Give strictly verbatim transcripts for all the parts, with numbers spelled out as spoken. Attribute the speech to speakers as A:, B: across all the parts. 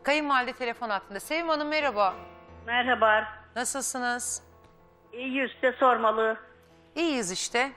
A: kayınvalide telefon hattında. Sevim Hanım merhaba.
B: Merhaba.
A: Nasılsınız?
B: İyi size sormalı.
A: İyiyiz işte.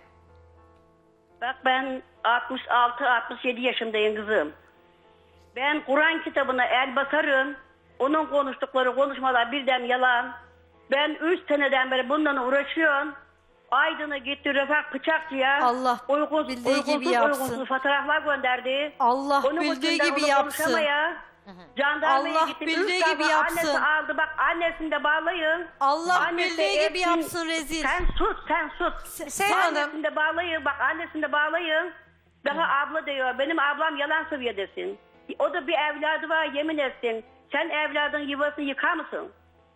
B: Bak ben altmış altı altmış yedi yaşındayım kızım. Ben Kur'an kitabına el basarım. Onun konuştukları konuşmalar birden yalan. Ben üç seneden beri bundan uğraşıyorum. Aydın'a gitti Refak Bıçakçı'ya.
C: Allah
B: uygunsuz,
C: bildiği
B: uygunsuz,
C: gibi yapsın.
B: uygunsuz fotoğraflar gönderdi.
C: Allah
B: Onun
C: bildiği
B: yüzünden
C: gibi
B: onu
C: yapsın.
B: konuşamaya, Jandarmaya
C: Allah
B: gittim.
C: bildiği
B: Üç
C: gibi
B: defa
C: yapsın.
B: Annesi aldı bak annesini de bağlayın.
C: Allah
B: Annesi
C: bildiği gibi
B: etsin.
C: yapsın rezil.
B: Sen sus sen sus.
A: Sevim Hanım.
B: Annesini de bağlayın bak annesini de bağlayın. Daha abla diyor benim ablam yalan söylüyor desin. O da bir evladı var yemin etsin. Sen evladın yuvasını yıkar mısın?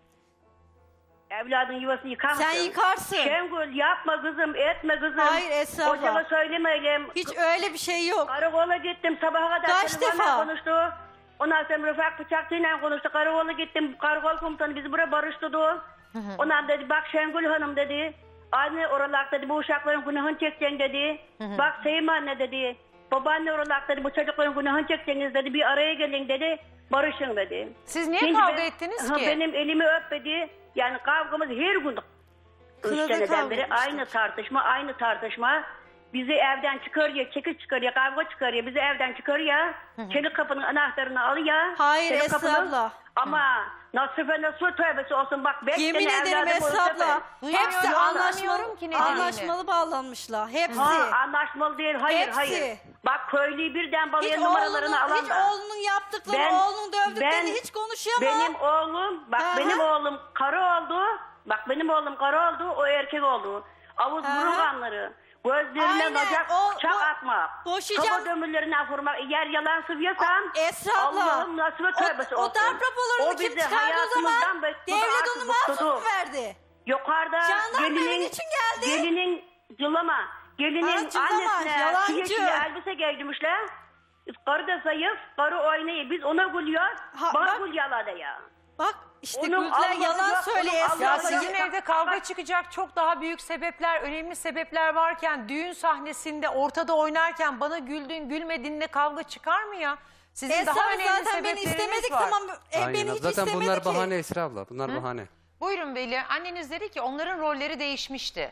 B: Evladın yuvasını yıkar mısın?
C: Sen yıkarsın.
B: Şengül yapma kızım etme kızım.
C: Hayır, Esra abla.
B: Hocama söylemeyelim.
C: Hiç öyle bir şey yok.
B: Karakola gittim sabaha kadar
C: Kaç
B: telefonla
C: defa?
B: konuştu. Ondan sonra Rıfak Bıçakçı'yla konuştu. Karakola gittim. Karakol komutanı bizi buraya barıştırdı. Ondan dedi bak Şengül Hanım dedi. Anne oralar dedi bu uşakların günahını çekeceksin dedi. Bak Sevim anne dedi. Babaanne oralar dedi bu çocukların günahını çekeceksiniz dedi. Bir araya gelin dedi. Barışın dedi.
A: Siz niye
B: Şimdi
A: kavga
B: ben-
A: ettiniz
B: Ha,
A: ki?
B: Benim elimi öpmedi. Yani kavgamız her gün. Üç
C: Kınadı
B: seneden
C: kavga
B: beri
C: etmişler.
B: aynı tartışma, aynı tartışma. Bizi evden çıkarıyor, çekiç çıkarıyor, kavga çıkarıyor. Bizi evden çıkarıyor. Çelik kapının anahtarını alıyor.
C: Hayır,
B: Çelik
C: Esra
B: kapının-
C: abla.
B: Ama Nasife Nasuh tövbesi olsun bak. Beş
C: Yemin
B: tane
C: ederim
B: evladım
C: Esra
B: olsa
C: abla.
B: ben-
C: Hepsi
A: Duyamıyorum,
C: anlaşmalı,
A: anlamıyorum ki ne dediğini.
C: anlaşmalı bağlanmışlar. Hepsi.
B: Ha, anlaşmalı değil, hayır
C: Hepsi.
B: hayır. Bak köylüyü birden
C: Hiç
B: balaya
C: oğlunun,
B: numaralarını alan
C: hiç
B: da.
C: oğlunun yaptıklarını,
B: Ben-
C: oğlunun dövdüklerini
B: ben-
C: hiç konuşuyor mu?
B: Benim oğlum, bak
C: Aha.
B: benim oğlum karı oldu. Bak benim oğlum karı oldu, o erkek oldu. Avuz
C: Aha.
B: burun kanları. Gözlerine
C: Aynen,
B: bacak
C: o-
B: çak
C: bu-
B: atmak.
C: boşayacağım.
B: Kafa dömürlerine vurmak. Eğer yalan sıvıyorsan
C: Esra abla.
B: Allah'ım nasıl ve tövbesi
C: o,
B: olsun.
C: o darp raporlarını kim
B: bizi
C: çıkardı o zaman?
B: hayatımızdan bıktırdı,
C: Devlet
B: artık
C: onu
B: bıktırdı.
C: mahsus mu verdi?
B: Yukarıda
C: Jandarma
B: gelinin,
C: evin için geldi.
B: gelinin cılama. Gelinin
C: Ha, cılama,
B: annesine
C: yalancı.
B: şu yeşil elbise giydirmişler. Karı da zayıf, karı oynayı. Biz ona gülüyoruz.
C: Ha,
B: Bana
C: bak.
B: gül yaladı ya.
C: Bak işte
B: Onun
C: güldüler
B: Allah'ı
C: yalan
B: yok,
C: söylüyor
B: onun
C: Esra
A: Ya
B: Allah'ı
C: abla.
A: sizin
B: yok.
A: evde kavga çıkacak çok daha büyük sebepler, önemli sebepler varken düğün sahnesinde ortada oynarken bana güldün gülmediğinde kavga çıkar mı ya? Sizin
C: Esra
A: daha
C: abla
A: önemli
C: zaten beni
A: sebepleriniz
C: istemedik
A: var.
C: tamam. E,
D: Aynen.
C: beni hiç
D: Zaten
C: istemedi
D: bunlar
C: ki.
D: bahane Esra abla. Bunlar bahane.
A: Buyurun Veli, anneniz dedi ki onların rolleri değişmişti.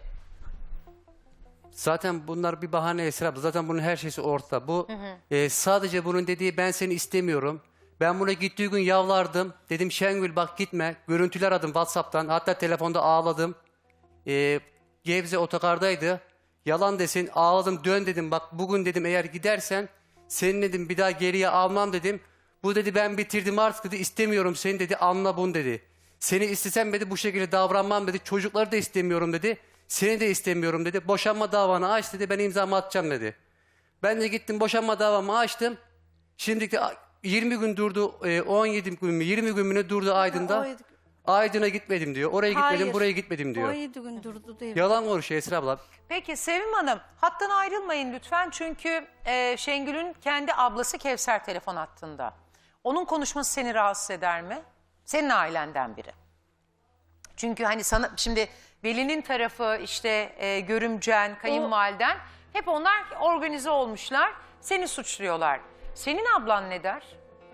D: Zaten bunlar bir bahane Esra abla. Zaten bunun her şeysi ortada. Bu e, sadece bunun dediği ben seni istemiyorum. Ben buna gittiği gün yavlardım. Dedim Şengül bak gitme. Görüntüler aradım WhatsApp'tan. Hatta telefonda ağladım. E, Gebze otogardaydı. Yalan desin ağladım dön dedim. Bak bugün dedim eğer gidersen seni dedim bir daha geriye almam dedim. Bu dedi ben bitirdim artık dedi istemiyorum seni dedi anla bunu dedi. Seni istesem dedi bu şekilde davranmam dedi. Çocukları da istemiyorum dedi. Seni de istemiyorum dedi. Boşanma davanı aç dedi. Ben imzamı atacağım dedi. Ben de gittim boşanma davamı açtım. Şimdi de yirmi gün durdu. e, on yedi gün mü yirmi gün mü ne durdu Aydın'da.
C: on yedi
D: Aydın'a gitmedim diyor. Oraya gitmedim
C: Hayır.
D: buraya gitmedim diyor.
C: on yedi gün durdu değil.
D: Yalan konuşuyor Esra abla.
A: Peki Sevim Hanım, hattan ayrılmayın lütfen çünkü e, Şengül'ün kendi ablası Kevser telefon hattında. Onun konuşması seni rahatsız eder mi? Senin ailenden biri. Çünkü hani sana şimdi Veli'nin tarafı işte e, görümcen, kayınvaliden hep onlar organize olmuşlar. Seni suçluyorlar. Senin ablan ne der?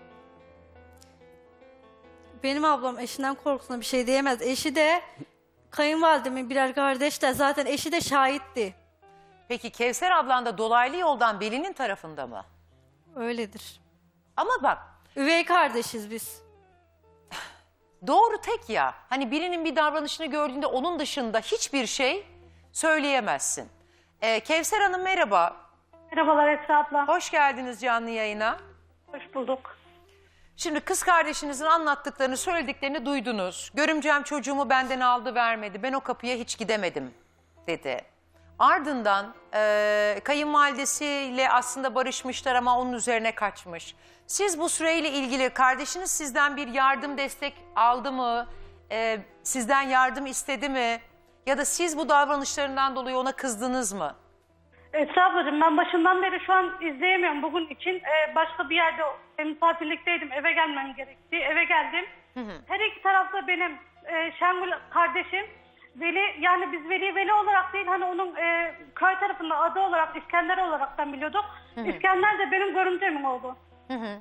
C: Benim ablam eşinden korkusuna bir şey diyemez. Eşi de kayınvalidemin birer kardeşler. Zaten eşi de şahitti.
A: Peki Kevser ablan da dolaylı yoldan Veli'nin tarafında mı?
C: Öyledir.
A: Ama bak
C: Üvey kardeşiz biz.
A: doğru tek ya. Hani birinin bir davranışını gördüğünde onun dışında hiçbir şey söyleyemezsin. Ee, Kevser Hanım merhaba.
B: Merhabalar Esra abla.
A: Hoş geldiniz canlı yayına.
B: Hoş bulduk.
A: Şimdi kız kardeşinizin anlattıklarını, söylediklerini duydunuz. Görümcem çocuğumu benden aldı vermedi. Ben o kapıya hiç gidemedim dedi. Ardından e, kayınvalidesiyle aslında barışmışlar ama onun üzerine kaçmış. Siz bu süreyle ilgili kardeşiniz sizden bir yardım destek aldı mı? E, sizden yardım istedi mi? Ya da siz bu davranışlarından dolayı ona kızdınız mı?
E: Esra ablacığım ben başından beri şu an izleyemiyorum. Bugün için e, başka bir yerde e, misafirlikteydim. Eve gelmem gerekti. Eve geldim. Her iki tarafta benim e, Şengül kardeşim. Veli yani biz Veli Veli olarak değil hani onun e, köy tarafında adı olarak İskender olaraktan biliyorduk. İskender de benim görümcemin oldu.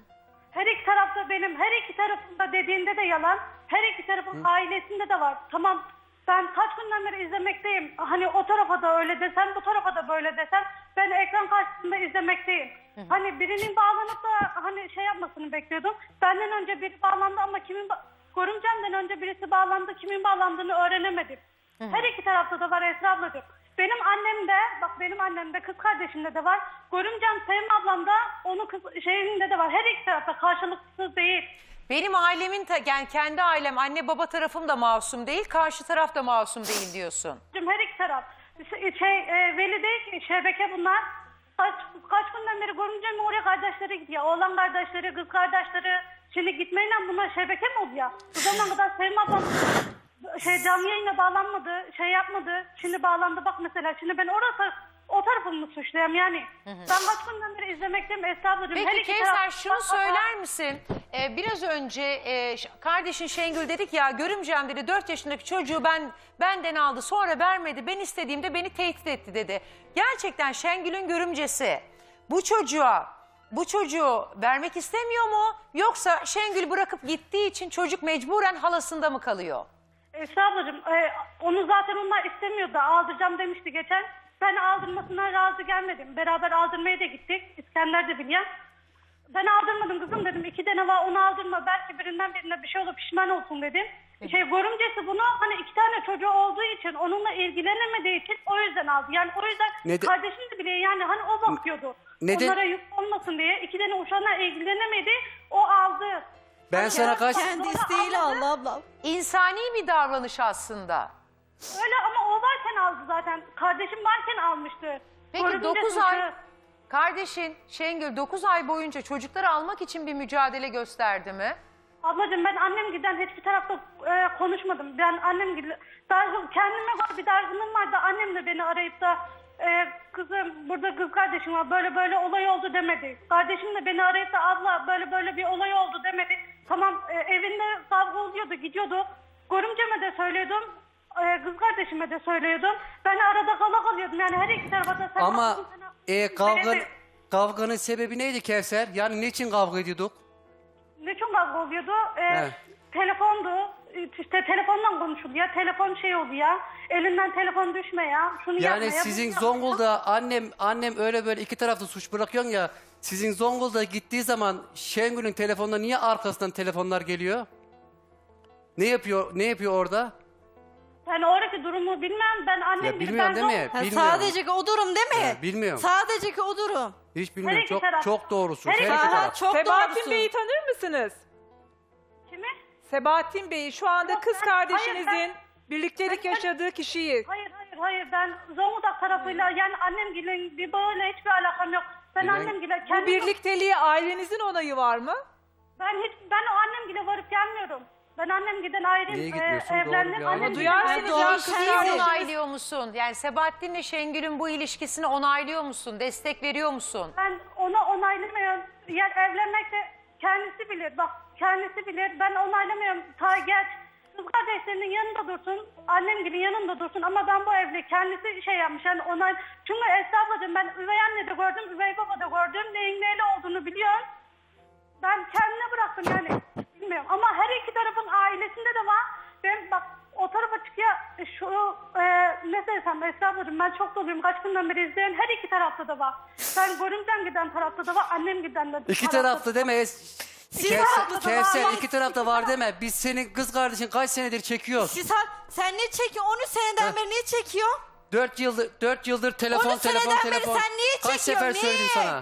E: Her iki tarafta benim, her iki tarafında dediğinde de yalan. Her iki tarafın ailesinde de var. Tamam, ben kaç günden beri izlemekteyim. Hani o tarafa da öyle desen, bu tarafa da böyle desen. Ben ekran karşısında izlemekteyim. Hani birinin bağlanıp da hani şey yapmasını bekliyordum. Benden önce biri bağlandı ama kimin... Ba- Görümcemden önce birisi bağlandı, kimin bağlandığını öğrenemedim. Her iki tarafta da var Esra ablacığım. Benim annem de, bak benim annem de, kız kardeşimde de var. Görümcem Sevim ablam da, onun kız şeyinde de var. Her iki tarafta karşılıksız değil.
A: Benim ailemin, ta- yani kendi ailem, anne baba tarafım da masum değil, karşı taraf da masum değil diyorsun.
E: Her iki taraf. Şey, e, Veli değil ki, şebeke bunlar. Kaç, kaç günden beri görümcem oraya kardeşleri gidiyor. Oğlan kardeşleri, kız kardeşleri. Şimdi gitmeyle bunlar şebeke mi oldu ya? Bu zamana kadar Sevim ablam şey, canlı yayına bağlanmadı, şey yapmadı. Şimdi bağlandı bak mesela. Şimdi ben orası, o tarafımı suçlayayım yani. Hı hı. Ben kaç günden beri izlemekteyim Esra ablacığım. Her
A: Peki
E: iki
A: Kevser
E: taraf-
A: şunu
E: bak-
A: söyler misin? Ee, biraz önce e, ş- kardeşin Şengül dedik ya, görümcem dedi dört yaşındaki çocuğu ben benden aldı, sonra vermedi. Ben istediğimde beni tehdit etti dedi. Gerçekten Şengül'ün görümcesi bu çocuğa bu çocuğu vermek istemiyor mu? Yoksa Şengül bırakıp gittiği için çocuk mecburen halasında mı kalıyor?
E: Esra ablacığım, e, onu zaten onlar istemiyordu. Aldıracağım demişti geçen. Ben aldırmasına razı gelmedim. Beraber aldırmaya da gittik. İskender de biliyor. Ben aldırmadım kızım dedim. İki tane var, onu aldırma. Belki birinden birine bir şey olur, pişman olsun dedim. Şey, görümcesi bunu hani iki tane çocuğu olduğu için, onunla ilgilenemediği için o yüzden aldı. Yani o yüzden
D: Neden-
E: kardeşim de bile yani hani o bakıyordu.
D: Neden-
E: Onlara yük olmasın diye. İki tane uşağına ilgilenemedi. O aldı.
D: Ben
E: Hani
D: sana kaç...
C: Kendi isteğiyle
E: almadı.
C: Allah ablam.
A: İnsani bir davranış aslında.
E: Öyle ama o varken aldı zaten. Kardeşim varken almıştı.
A: Peki
E: Görümce
A: dokuz
E: suçu-
A: ay kardeşin Şengül dokuz ay boyunca çocukları almak için bir mücadele gösterdi mi?
E: Ablacığım ben annem giden hiçbir tarafta e, konuşmadım. Ben annem gibi dargın, kendime göre bir dargınlığım vardı. Annem de beni arayıp da e, kızım burada kız kardeşim var böyle böyle olay oldu demedi. Kardeşim de beni arayıp da abla böyle böyle bir olay oldu demedi. Tamam e, evinde kavga oluyordu, gidiyordu. Görümceme de söylüyordum. E, kız kardeşime de söylüyordum. Ben arada kala kalıyordum. Yani her iki tarafa da sen
D: Ama
E: haklısın, sen
D: e,
E: haklısın.
D: kavga,
E: Beni de-
D: kavganın sebebi neydi Kevser? Yani niçin kavga ediyorduk?
E: Niçin kavga oluyordu? Ee,
D: Evet.
E: Telefondu. İşte telefondan konuşuluyor. Telefon şey oluyor. Elinden telefon düşme ya. Şunu yapma
D: Yani
E: ya,
D: sizin
E: bunu yapma.
D: Zonguldak'a annem annem öyle böyle iki tarafta suç bırakıyorsun ya. Sizin Zonguldak'a gittiği zaman Şengül'ün telefonuna niye arkasından telefonlar geliyor? Ne yapıyor? Ne yapıyor orada?
E: Yani oradaki durumu bilmem. Ben annem
D: Ya
E: gibi
D: bilmiyorum
E: ben
D: değil mi?
E: zor-
C: Ha,
D: Bilmiyorum.
C: sadece ki o durum değil mi?
D: Ha, bilmiyorum.
C: Sadece ki o durum.
D: Hiç
E: Her
D: bilmiyorum.
E: iki
D: Çok
E: taraf.
D: çok doğrusun.
E: Her
D: Her
E: iki
D: iki
C: Aha,
D: taraf.
C: çok
F: Sebahattin
C: doğrusun.
F: Bey'i tanır mısınız?
E: Kimi?
F: Sebahattin Bey'i şu anda
E: Yok,
F: kız
E: ben-
F: kardeşinizin
E: hayır,
F: birliktelik
E: ben-
F: yaşadığı kişiyi.
E: Hayır hayır hayır. Ben Zonguldak tarafıyla yani annem gibi bir böyle hiçbir alakam yok. Ben
D: Bilen-
E: annem gibi
F: Bu
E: kendim...
F: birlikteliğe ailenizin onayı var mı?
E: Ben hiç ben o annem gibi varıp gelmiyorum. Ben annem giden ayrıyım.
D: Niye
E: e,
D: gitmiyorsun? Doğru
E: evlendim.
D: bir
E: Annem
D: anne.
E: gibi-
F: Duyarsınız
C: doğru
F: ya kız
C: sen
A: Sen
F: kardeşiniz.
A: onaylıyor musun? Yani Sebahattin'le Şengül'ün bu ilişkisini onaylıyor musun? Destek veriyor musun?
E: Ben ona onaylamıyorum. Yani evlenmek de kendisi bilir. Bak kendisi bilir. Ben onaylamıyorum. Ta geç. Kız kardeşlerinin yanında dursun. Annem gibi yanında dursun. Ama ben bu evli kendisi şey yapmış. Yani onay... Çünkü Esra ablacığım ben üvey anne de gördüm. Üvey baba da gördüm. Neyin neyle olduğunu biliyorum. Ben kendine bıraktım yani. Bilmiyorum. Ama her iki tarafın ailesinde de var. Ben bak o tarafa çıkıyor. e, Şu e, ne desem Esra ablacığım ben çok doluyum. Kaç günden beri izleyen her iki tarafta da var. Ben görümcem giden tarafta da var. Annem giden de
D: İki
E: tarafta
D: tarafta
E: da
D: deme.
E: var.
D: Es-
C: Siz
D: Kevser,
C: haklısınız
D: Kevser
C: ama-
D: iki tarafta var deme. Biz senin kız kardeşin kaç senedir çekiyoruz.
C: Siz ha- sen ne çekiyorsun? on üç seneden
D: Heh.
C: beri niye çekiyorsun?
D: Dört yıldır dört yıldır telefon
C: on üç
D: telefon
C: seneden beri
D: telefon.
C: sen niye
D: Kaç sefer
C: çekiyorsun?
D: söyledim
C: Niye?
D: sana?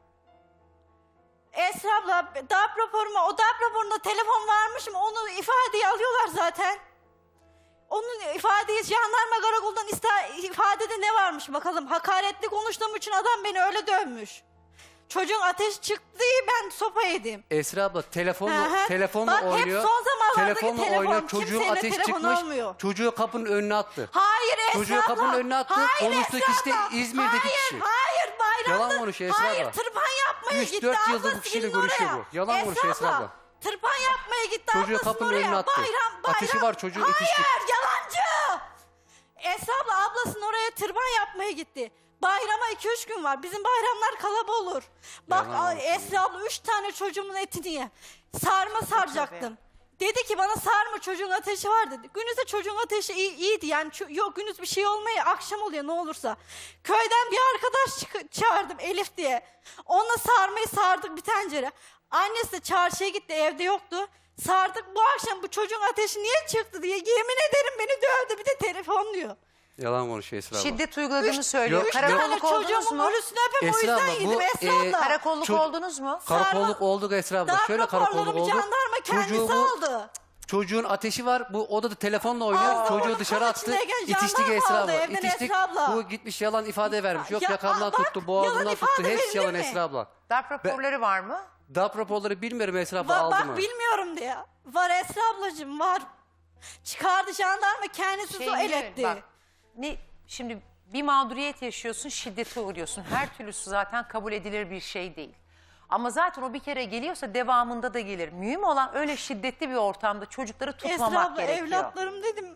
C: Esra abla darp raporuma, o darp raporunda telefon varmışım, onu ifadeye alıyorlar zaten. Onun ifadeyi jandarma karakoldan iste- ifadede ne varmış bakalım. Hakaretli konuştuğum için adam beni öyle dövmüş. Çocuğun ateş çıktı, ben sopa yedim.
D: Esra abla telefonla
C: Hı hı.
D: telefonla
C: Bak, hep
D: oynuyor.
C: son zamanlardaki
D: telefonla
C: telefon.
D: oynuyor. Çocuğun
C: Kimseyle
D: ateş
C: telefon
D: çıkmış.
C: olmuyor.
D: Çocuğu kapının önüne attı.
C: Hayır Esra
D: Çocuğu
C: abla.
D: kapının önüne attı,
C: Hayır
D: konuştuğu
C: Esra
D: kişi de
C: abla.
D: İzmir'deki
C: hayır,
D: kişi.
C: Hayır bayramda.
D: Yalan konuşuyor Esra
C: Hayır
D: abla.
C: tırpan yapmaya
D: Üç,
C: gitti.
D: dört yıldır bu
C: ablası
D: kişiyle
C: gelin
D: görüşüyor
C: oraya.
D: bu. Yalan konuşuyor Esra abla.
C: Tırpan yapmaya gitti.
D: Çocuğu
C: ablasının
D: kapının
C: oraya.
D: önüne attı.
C: Bayram, bayram.
D: Ateşi var, çocuğu
C: Hayır
D: yetişti.
C: yalancı. Esra abla ablasının oraya tırpan yapmaya gitti. Bayrama iki üç gün var. Bizim bayramlar kalaba olur. Bak
D: Yalan
C: ay,
D: olsun.
C: Esra abla üç tane çocuğumun etini ye. Sarma saracaktım. Dedi ki bana sarma, çocuğun ateşi var dedi. Gündüzde çocuğun ateşi iyi, iyiydi yani. Ço- yok gündüz bir şey olmuyor, akşam oluyor ne olursa. Köyden bir arkadaş çık- çağırdım Elif diye. Onunla sarmayı sardık bir tencere. Annesi de çarşıya gitti, evde yoktu. Sardık, bu akşam bu çocuğun ateşi niye çıktı diye yemin ederim beni dövdü, bir de telefon diyor.
D: Yalan konuşuyor Esra abla.
A: Şiddet uyguladığını söylüyor.
D: Yok,
C: Üç tane
A: Karakolluk oldunuz
C: çocuğumun
A: mu?
C: ölüsünü öpem, o
D: Esra
C: yüzden
D: abla, bu,
C: yedim Esra
D: e,
C: abla.
A: Karakolluk
D: Ço-
A: oldunuz mu?
D: Karakolluk
C: Sarma-
D: olduk Esra abla.
C: Darp
D: Şöyle karakolluk
C: raporlarımı
D: olduk.
C: jandarma kendisi
D: Çocuğu bu-
C: aldı.
D: Çocuğun ateşi var. Bu odada telefonla oynuyor.
C: Ağzına
D: Çocuğu
C: bunu
D: dışarı
C: kan
D: attı.
C: içindeyken
D: İtiştik
C: jandarma
D: Esra
C: aldı
D: abla.
C: evden
D: İtiştik.
C: Esra abla.
D: Bu gitmiş yalan ifade vermiş. Yok
C: Ya,
D: yakamdan
C: aa, bak,
D: tuttu, boğazından
C: yalan
D: tuttu.
C: ifade
D: Hepsi yalan
C: verilir mi?
D: Esra abla.
A: Darp raporları var mı?
D: Darp raporları bilmiyorum Esra abla
C: Va-
D: aldı
C: bak
D: mı?
C: bilmiyorum diye. Var Esra ablacığım var. Çıkardı jandarma kendisi
A: Şey
C: su el
A: değil,
C: etti.
A: bak, ne, şimdi bir mağduriyet yaşıyorsun, şiddete uğruyorsun. Her türlüsü zaten kabul edilir bir şey değil. Ama zaten o bir kere geliyorsa devamında da gelir. Mühim olan öyle şiddetli bir ortamda çocukları
C: Esra
A: tutmamak
C: abla
A: gerekiyor.
C: evlatlarım dedim.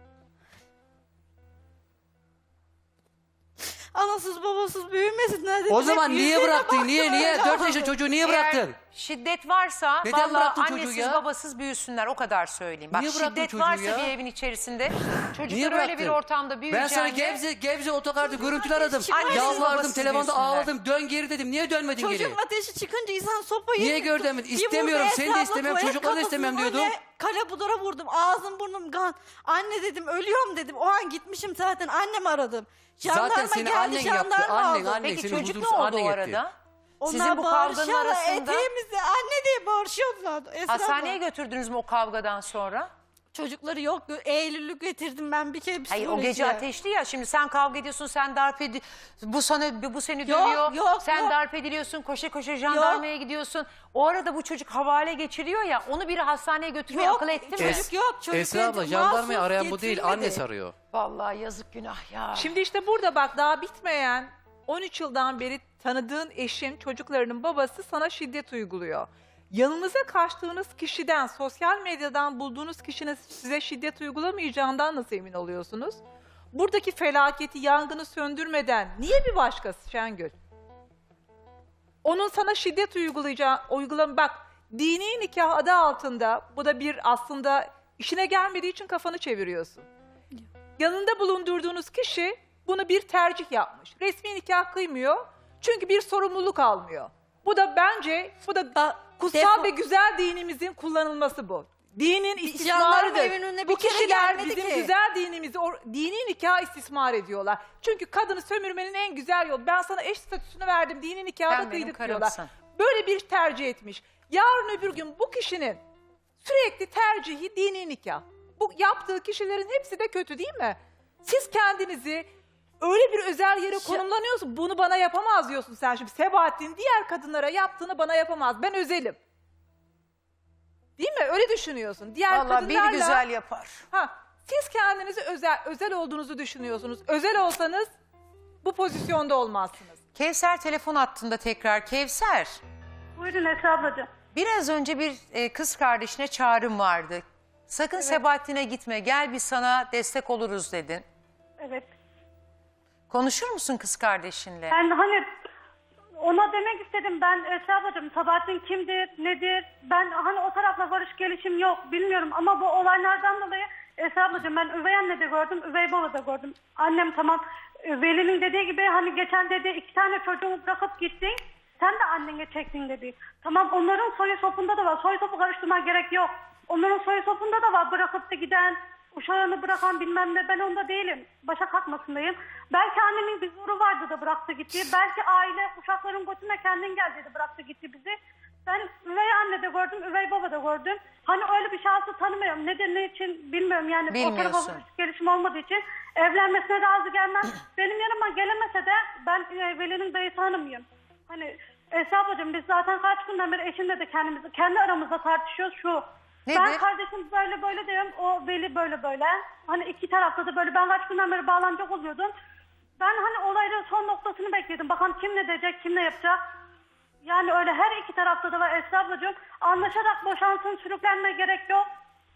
C: Anasız babasız büyümesinler dedim.
D: O
C: Hep
D: zaman niye
C: yüzlerine
D: bıraktın? Niye
C: baktım,
D: niye?
C: öyle
D: Dört
C: oldu.
D: yaşında çocuğu niye
A: Eğer
D: bıraktın?
A: şiddet varsa
D: Neden
A: vallahi
D: bıraktın çocuğu
A: annesiz
D: ya?
A: babasız büyüsünler, o kadar söyleyeyim. Bak
D: Niye bıraktın
A: şiddet
D: çocuğu
A: varsa
D: ya?
A: bir evin içerisinde
D: Niye
A: çocuklar öyle bir
D: bıraktın?
A: ortamda
D: Ben
A: büyüyeceğinde...
D: sana Gebze, Gebze otogarda görüntüler aradım.
C: Annesiz
D: Yalvardım,
A: babasız
D: telefonda
A: büyüsünler.
D: ağladım. Dön geri dedim. Niye dönmedin geri?
C: Çocuğun ateşi çıkınca insan sopayı...
D: Niye gör demedin?
C: Bir vurdu
D: İstemiyorum, seni de
C: Esra abla,
D: istemiyorum,
C: tuvalet
D: çocukları da
C: kapısını
D: istemem
C: böyle
D: diyordum.
C: Kale budara vurdum. Ağzım burnum kan. Anne dedim ölüyorum dedim. O an gitmişim zaten, annemi aradım. Jandarma
D: Zaten seni
C: geldi,
D: annen yaptı.
C: jandarma
D: Annen,
C: aldı.
D: annen
A: Peki
D: seni
A: çocuk ne
D: huzursuz
A: oldu
D: annen
A: o
D: etti.
A: arada?
C: Onlar
A: Sizin bu kavganın
C: bağırışıyorlar,
A: arasında
C: eteğimizde anne diye bağırışıyorlar. Esra
A: hastaneye
C: abla.
A: götürdünüz mü o kavgadan sonra?
C: Çocukları yok. Eylül'lük getirdim ben bir kere
A: Hayır, o
C: psikolojiye.
A: gece ateşli ya, şimdi sen kavga ediyorsun, sen darp edi bu sana bu seni
C: Yok,
A: dövüyor.
C: yok,
A: sen
C: yok.
A: darp ediliyorsun, koşa koşa jandarmaya gidiyorsun. O arada bu çocuk havale geçiriyor ya, onu biri hastaneye götürmeye
C: Yok,
A: akıl etti mi?
C: çocuk yok. Çocuk
D: Esra abla
C: getir-
D: jandarmayı
C: mahsus
D: arayan bu değil,
C: getirmedi.
D: annesi arıyor.
A: Vallahi yazık, günah ya.
F: Şimdi işte burada bak, daha bitmeyen on üç yıldan beri tanıdığın eşin, çocuklarının babası sana şiddet uyguluyor. Yanınıza kaçtığınız kişiden, sosyal medyadan bulduğunuz kişinin size şiddet uygulamayacağından nasıl emin oluyorsunuz? Buradaki felaketi, yangını söndürmeden niye bir başkası Şengül? Onun sana şiddet uygulayacağı, uygulam bak, dini nikah adı altında, bu da bir aslında işine gelmediği için kafanı çeviriyorsun. Yanında bulundurduğunuz kişi bunu bir tercih yapmış. Resmi nikah kıymıyor çünkü bir sorumluluk almıyor. Bu da bence, bu da
C: Ba-
F: kutsal
C: defo-
F: ve güzel dinimizin kullanılması bu. Dinin
C: jandarma
F: istismarıdır.
C: evinin önüne
F: Bu
C: bir kere
F: kişiler
C: gelmedi
F: bizim
C: ki.
F: güzel dinimizi, o dini nikah istismar ediyorlar. Çünkü kadını sömürmenin en güzel yolu. Ben sana eş statüsünü verdim, dini nikahı
A: Sen
F: da
A: benim
F: kıydık diyorlar.
A: karımsın.
F: Böyle bir tercih etmiş. Yarın öbür gün bu kişinin sürekli tercihi dini nikah. Bu yaptığı kişilerin hepsi de kötü değil mi? Siz kendinizi öyle bir özel yere konumlanıyorsun. Bunu bana yapamaz diyorsun sen şimdi. Sebahattin diğer kadınlara yaptığını bana yapamaz. Ben özelim. Değil mi? Öyle düşünüyorsun. Diğer
A: Vallahi bir
F: kadınlarla...
A: güzel yapar.
F: Ha, siz kendinizi özel özel olduğunuzu düşünüyorsunuz. Özel olsanız bu pozisyonda olmazsınız.
A: Kevser telefon hattında tekrar. Kevser,
E: Buyurun Esra ablacığım.
A: biraz önce bir e, kız kardeşine çağrım vardı. Sakın Sebahattin'e gitme, gel biz sana destek oluruz dedin.
E: Evet.
A: Konuşur musun kız kardeşinle?
E: Ben hani ona demek istedim, ben Esra ablacığım, Sabahattin kimdir, nedir? Ben hani o tarafla barış gelişim yok, bilmiyorum ama bu olaylardan dolayı Esra ablacığım, ben üvey anne de gördüm, üvey baba da gördüm. Annem tamam, Veli'nin dediği gibi hani geçen dedi iki tane çocuğumu bırakıp gittin, sen de annene çektin dedi. Tamam, onların soyu sopunda da var, soy sopu karıştırmaya gerek yok. Onların soyu sopunda da var bırakıp da giden, uşağını bırakan bilmem ne, ben onda değilim. Başa kalkmasındayım. Belki annemin bir zoru vardı da bıraktı gitti. Belki aile uşakların götüne kendin gel dedi, bıraktı gitti bizi. Ben üvey anne de gördüm, üvey baba da gördüm. Hani öyle bir şahsı tanımıyorum. Nedir, ne için bilmiyorum. Yani o
A: Bilmiyorsun.
E: tarafa barış gelişim olmadığı için evlenmesine razı gelmem. Benim yanıma gelemese de ben e, Veli'nin dayısı hanımıyım. Hani Esra ablacığım, biz zaten kaç günden beri eşimle de kendimizi, kendi aramızda tartışıyoruz şu.
A: Nedir?
E: Ben kardeşim böyle böyle diyorum, o Veli böyle böyle. Hani iki tarafta da böyle, ben kaç günden beri bağlanacak oluyordum. Ben hani olayların son noktasını bekledim. Bakalım kim ne diyecek, kim ne yapacak. Yani öyle her iki tarafta da var Esra ablacığım. Anlaşarak boşansın, sürüklenme gerek yok.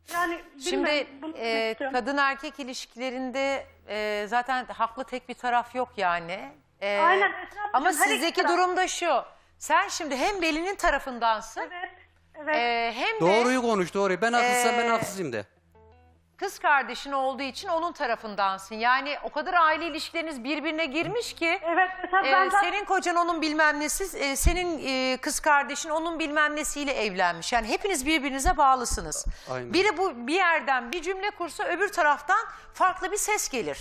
E: Yani
A: Şimdi
E: bilmiyorum, bunu
A: e,
E: istiyorum.
A: kadın erkek ilişkilerinde e, zaten haklı tek bir taraf yok yani. E,
E: Aynen, Esra ablacığım,
A: ama
E: her iki
A: sizdeki
E: taraf.
A: durum da şu. Sen şimdi hem Veli'nin tarafındansın
E: Evet. Evet.
A: e, hem de
D: Doğruyu konuş doğruyu. Ben haklısam ben
A: Ee,
D: haksızım de.
A: kız kardeşin olduğu için onun tarafındansın. Yani o kadar aile ilişkileriniz birbirine girmiş ki
E: Evet. Mesela
A: e,
E: ben zaten-
A: senin kocan onun bilmem nesi, e, senin e, kız kardeşin onun bilmem nesiyle evlenmiş. Yani hepiniz birbirinize bağlısınız.
D: Aynen.
A: Biri bu bir yerden bir cümle kursa öbür taraftan farklı bir ses gelir.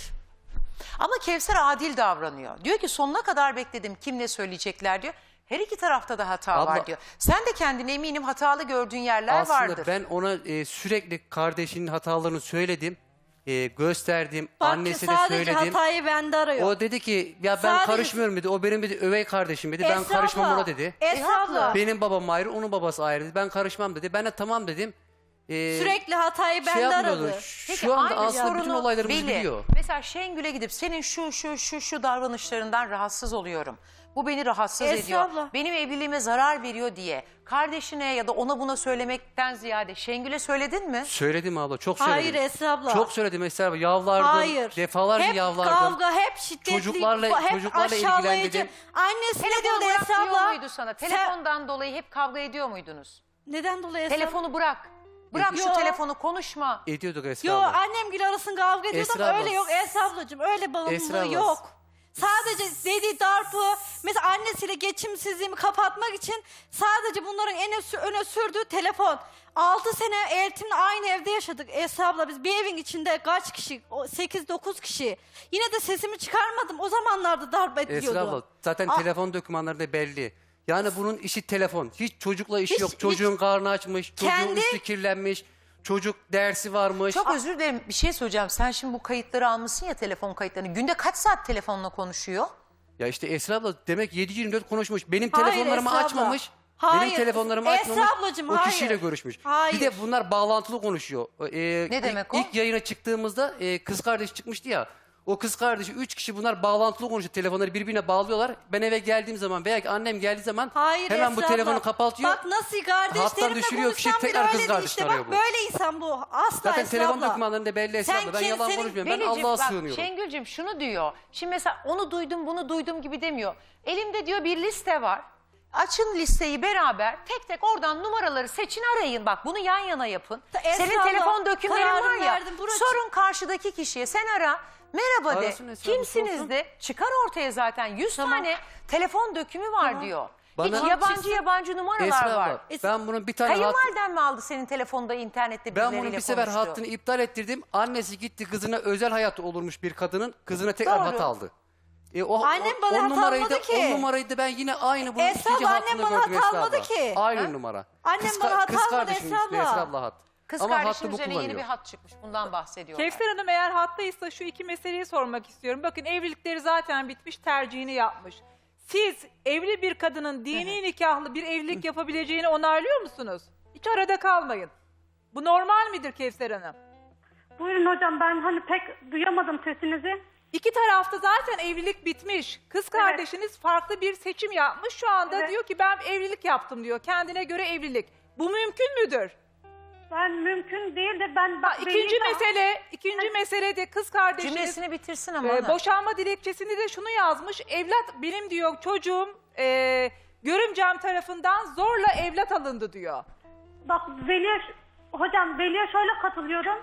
A: Ama Kevser adil davranıyor. Diyor ki sonuna kadar bekledim kim ne söyleyecekler diyor. Her iki tarafta da hata
D: Abla-
A: var diyor. Sen de kendine eminim hatalı gördüğün yerler
D: Aslında
A: vardır.
D: ben ona e, sürekli kardeşinin hatalarını söyledim. E, gösterdim.
C: Bak
D: Annesi de
C: sadece
D: söyledim.
C: hatayı bende arıyor.
D: O dedi ki ya ben
C: Sadece-
D: karışmıyorum dedi. O benim dedi övey kardeşim dedi. Ben
C: Esra
D: karışmam
C: abla,
D: ona dedi.
C: Esra abla.
D: Benim babam ayrı, onun babası ayrı dedi. Ben karışmam dedi. Ben de tamam dedim. E,
C: Sürekli hatayı
D: şey
C: bende
D: yapmıyordu.
C: aradı.
A: Peki
D: Şu anda
A: aynı
D: aslında bütün
A: sorunu
D: olaylarımızı
A: Veli,
D: biliyor.
A: Mesela Şengül'e gidip senin şu şu şu şu davranışlarından rahatsız oluyorum. Bu beni rahatsız
C: Esra
A: ediyor.
C: abla.
A: Benim evliliğime zarar veriyor diye kardeşine ya da ona buna söylemekten ziyade Şengül'e söyledin mi?
D: Söyledim abla, çok söyledim.
C: Hayır Esra abla.
D: Çok söyledim Esra abla. Yavlardım.
C: Hayır.
D: Defalarca
C: hep
D: yavlardım.
C: kavga, hep şiddetli,
D: Çocuklarla-
C: hep
D: çocuklarla
C: aşağılayıcı.
D: ilgilendim.
C: Annesi ne
A: Telefonu
C: diyordu
A: bırak
C: Esra
A: diyor
C: abla?
A: muydu sana?
C: Sen-
A: Telefondan dolayı hep kavga ediyor muydunuz?
C: Neden dolayı Esra abla?
A: Telefonu bırak. Bırak şu
C: Yo.
A: telefonu konuşma.
D: Ediyorduk Esra
C: Yo
D: abla.
C: annemgil arasında kavga ediyordu
D: Esra
C: ama
D: abla.
C: öyle yok Esra ablacığım. Öyle
D: Esra
C: bağımlılığı
D: abla.
C: yok. Sadece dedi darpı, mesela annesiyle geçimsizliğimi kapatmak için sadece bunların en öne, öne sürdüğü telefon. altı sene eltimle aynı evde yaşadık Esra abla. Biz bir evin içinde kaç kişi? sekiz dokuz kişi. Yine de sesimi çıkarmadım. O zamanlarda darp ediliyordu.
D: Esra abla zaten
C: A-
D: telefon dokümanlarında belli. Yani bunun işi telefon. Hiç çocukla işi
C: Hiç-
D: yok. Çocuğun karnı açmış, çocuğun
C: Kendi-
D: üstü kirlenmiş, çocuk dersi varmış.
A: Çok özür dilerim bir şey söyleyeceğim. Sen şimdi bu kayıtları almışsın ya telefon kayıtlarını. Günde kaç saat telefonla konuşuyor?
D: Ya işte Esra abla demek yedi yirmi dört konuşmuş. Benim
C: Hayır
D: telefonlarımı
C: Esra abla.
D: açmamış.
C: Hayır.
D: Benim telefonlarımı
C: Esra
D: açmamış.
C: ablacığım,
D: o
C: hayır.
D: kişiyle görüşmüş.
C: Hayır.
D: Bir de bunlar bağlantılı konuşuyor. Ee,
A: Ne
D: ilk-
A: demek o?
D: İlk yayına çıktığımızda e, kız kardeşi çıkmıştı ya. O kız kardeşi üç kişi bunlar bağlantılı konuşuyor. Telefonları birbirine bağlıyorlar. Ben eve geldiğim zaman veya ki annem geldiği zaman
C: Hayır
D: hemen bu
C: Esra
D: telefonu
C: abla.
D: kapatıyor.
C: Bak nasıl kardeşlerimle
D: düşürüyor, fişek
C: konuşsam bile
D: tekrar kız
C: öyle değil
D: kardeşine
C: işte.
D: arıyor
C: Bak
D: bu.
C: böyle insan bu. Asla
D: Zaten
C: Esra
D: telefon
C: abla.
D: dokümanlarında belli Esra
C: Sen
D: abla. Ben
C: kim-
D: yalan
C: senin-
D: konuşmuyorum. Ben
A: Velicim,
D: Allah'a
A: bak,
D: sığınıyorum.
A: Şengül'cüm şunu diyor. Şimdi mesela onu duydum bunu duydum gibi demiyor. Elimde diyor bir liste var. Açın listeyi beraber tek tek oradan numaraları seçin arayın. Bak bunu yan yana yapın.
C: Ta- Esra
A: Senin
C: abla,
A: telefon dökümlerin var
C: kararını
A: ya.
C: verdim, burası-
A: Sorun karşıdaki kişiye sen ara. Merhaba de.
D: Arasın Esra abla,
A: Kimsiniz
D: sorsun.
A: de. Çıkar ortaya zaten yüz
C: Tamam.
A: tane telefon dökümü var
C: Tamam.
A: diyor.
D: Bana-
A: Hiç yabancı yabancı numaralar
D: Esra
A: var.
D: abla ben bunun bir tane hat,
A: Kayınvaliden mi aldı senin telefonda internette
D: ben
A: birileriyle
D: bunun bir sefer
A: konuştu?
D: hattını iptal ettirdim. Annesi gitti kızına özel hayatı olurmuş bir kadının. Kızına tekrar
A: Doğru.
D: hat aldı. E, o,
C: Annem
D: o-
C: bana
D: o
C: hat
D: numarayı da,
C: almadı ki.
D: O numarayı da ben yine aynı bunun
C: Esra
D: ikinci
C: abla, annem
D: hattında
C: bana
D: gördüm
C: hat
D: Esra
C: almadı
D: abla.
C: ki.
D: Aynı
C: Ha?
D: numara.
C: Annem
D: Kız,
C: bana hat
D: kız
C: almadı
D: kardeşim
C: Esra
D: işte
C: abla.
D: Esra abla hat.
A: Kız
D: Ama hattı
A: kardeşin
D: bu
A: üzerine yeni bir
D: kullanıyor.
A: hat çıkmış. Bundan bahsediyorlar.
F: Kevser Hanım eğer hattaysa şu iki meseleyi sormak istiyorum. Bakın evlilikleri zaten bitmiş, tercihini yapmış. Siz evli bir kadının dini nikahlı bir evlilik yapabileceğini onaylıyor musunuz? Hiç arada kalmayın. Bu normal midir Kevser Hanım?
E: Buyurun hocam, ben hani pek duyamadım sesinizi.
F: İki tarafta zaten evlilik bitmiş. Kız kardeşiniz farklı bir seçim yapmış. Şu anda
E: Evet.
F: diyor ki ben evlilik yaptım diyor. Kendine göre evlilik. Bu mümkün müdür?
E: Ben mümkün değil de ben...
F: Ha,
E: Bak,
F: ikinci
E: Veli'yi de-
F: mesele, ikinci mesele de kız kardeşiniz
A: Cümlesini bitirsin ama.
F: e,
A: ana.
F: boşanma dilekçesinde de şunu yazmış. Evlat benim diyor çocuğum e, görümcem tarafından zorla evlat alındı diyor.
E: Bak Veli'ye... Hocam Veli'ye şöyle katılıyorum.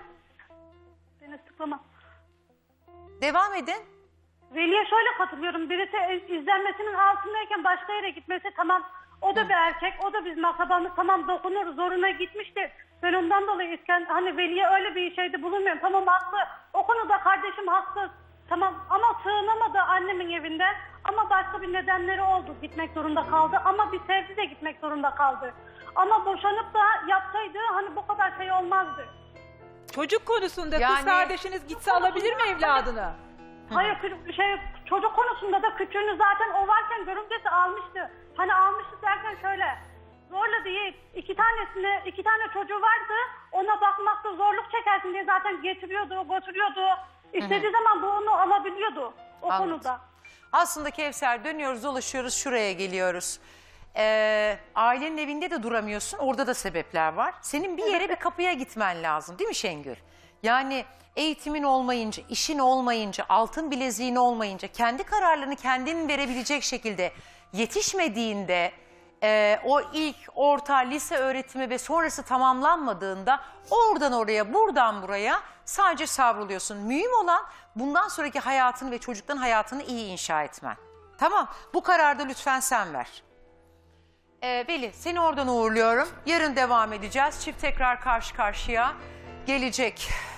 E: Beni sıklama.
A: Devam edin.
E: Veli'ye şöyle katılıyorum. Birisi izlenmesinin altındayken başka yere gitmesi tamam. O da bir erkek, o da bizim akrabamız, tamam dokunur, zoruna gitmiştir. Ben ondan dolayı isken, hani Veli'ye öyle bir şeyde bulunmuyorum. Tamam haklı, o konuda kardeşim haklı. Tamam ama sığınamadı annemin evinde. Ama başka bir nedenleri oldu, gitmek zorunda kaldı. Ama bir sevdi de gitmek zorunda kaldı. Ama boşanıp da yapsaydı hani bu kadar şey olmazdı.
F: Çocuk konusunda
A: Yani-
F: kız kardeşiniz gitse alabilir mi evladını?
E: Hayır kü- şey çocuk konusunda da küçüğünü zaten o varken görümcesi almıştı. Hani almıştı derken şöyle zorla değil iki tanesine iki tane çocuğu vardı, ona bakmakta zorluk çekersin diye zaten getiriyordu götürüyordu. İstediği zaman bu onu alabiliyordu o
A: Anladım.
E: konuda.
A: Aslında Kevser dönüyoruz dolaşıyoruz şuraya geliyoruz. Ee, ailenin evinde de duramıyorsun. Orada da sebepler var. Senin bir yere bir kapıya gitmen lazım değil mi Şengül? Yani eğitimin olmayınca, işin olmayınca, altın bileziğin olmayınca, kendi kararlarını kendin verebilecek şekilde yetişmediğinde, e, o ilk orta lise öğretimi ve sonrası tamamlanmadığında oradan oraya, buradan buraya sadece savruluyorsun. Mühim olan bundan sonraki hayatını ve çocukların hayatını iyi inşa etmen. Tamam, bu kararı da lütfen sen ver. Ee, Veli, seni oradan uğurluyorum. Yarın devam edeceğiz. Çift tekrar karşı karşıya gelecek.